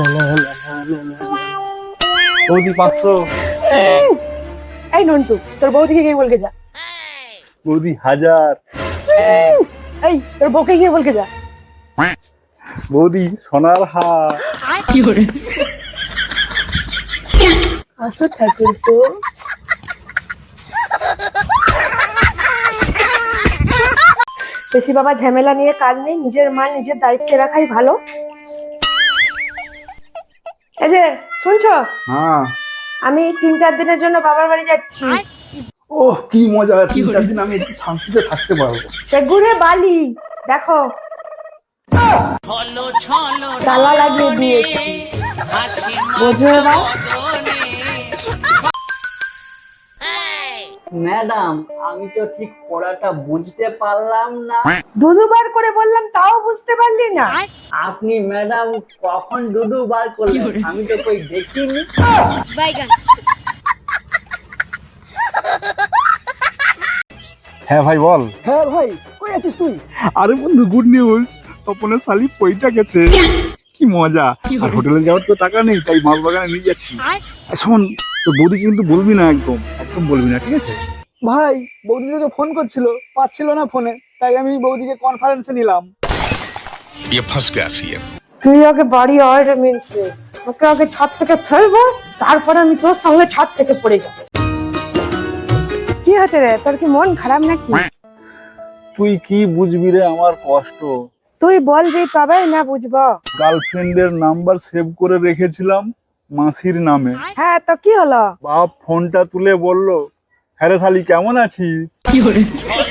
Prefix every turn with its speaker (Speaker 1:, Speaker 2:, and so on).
Speaker 1: বৌদি 500।
Speaker 2: এই নন্টু, তোর বউদিকে গিয়ে বলকে যা।
Speaker 1: বৌদি 1000।
Speaker 2: এই তোর বউকে গিয়ে বলকে যা।
Speaker 1: বৌদি সোনার হার।
Speaker 2: আসো ঠাকুর তো। বেশি বাবা ঝামেলা নিয়ে কাজ নেই, নিজের মাল নিজের দায়িত্বে রাখাই ভালো। এই যে শুনছো,
Speaker 1: হ্যাঁ।
Speaker 2: আমি 3-4 দিনের জন্য বাবার বাড়ি যাচ্ছি।
Speaker 1: ওহ কি মজা, 3-4 দিন আমি একটু শান্তিতে থাকতে পারবো।
Speaker 2: সেগুড়ে বালি দেখো, তালা লাগিয়ে দিয়েছি, বোঝো এবার।
Speaker 3: ম্যাডাম, আমি তো ঠিক পড়াটা বুঝতে পারলাম না।
Speaker 2: দুবার করে বললাম তাও বুঝতে পারলি না?
Speaker 3: আপনি ম্যাডাম কখন ডুডু বার করলেন? আমি তো কই দেখিনি।
Speaker 1: হ্যাঁ ভাই বল।
Speaker 3: হ্যাঁ ভাই, কই আছিস তুই?
Speaker 1: আরে বন্ধু গুড নিউজ, তপনের শালি পইটা গেছে। কি মজা। আর হোটেলে যাওয়ার তো টাকা নেই, তাই মাছ বাগানে নিয়ে যাচ্ছি। শোন, তো বৌদি কিন্তু বলবি না, একদম একদম বলবি না, ঠিক আছে?
Speaker 3: ভাই, বৌদি তোকে ফোন করছিল, পাচ্ছিল না ফোনে, তাই আমি বৌদিকে কনফারেন্সে নিলাম।
Speaker 4: ये फंस गया सीएम।
Speaker 2: তুই ওকে বাড়ি আয় রে মিনছে, ওকে আগে ছাদ থেকে ফেলবো, তারপরে আমি তোর সঙ্গে ছাদ থেকে পড়ে যাবো। কি হচ্ছে রে, তোর কি মন খারাপ নাকি?
Speaker 1: তুই কি বুঝবি রে আমার কষ্ট।
Speaker 2: তুই বলবি তবেই না বুঝবো।
Speaker 1: গার্লফ্রেন্ডের নাম্বার সেভ করে রেখেছিলাম মাসির নামে।
Speaker 2: হ্যাঁ তো কি হলো?
Speaker 1: বাপ ফোনটা তুলে বলল, হ্যাঁ রে শালি কেমন আছিস?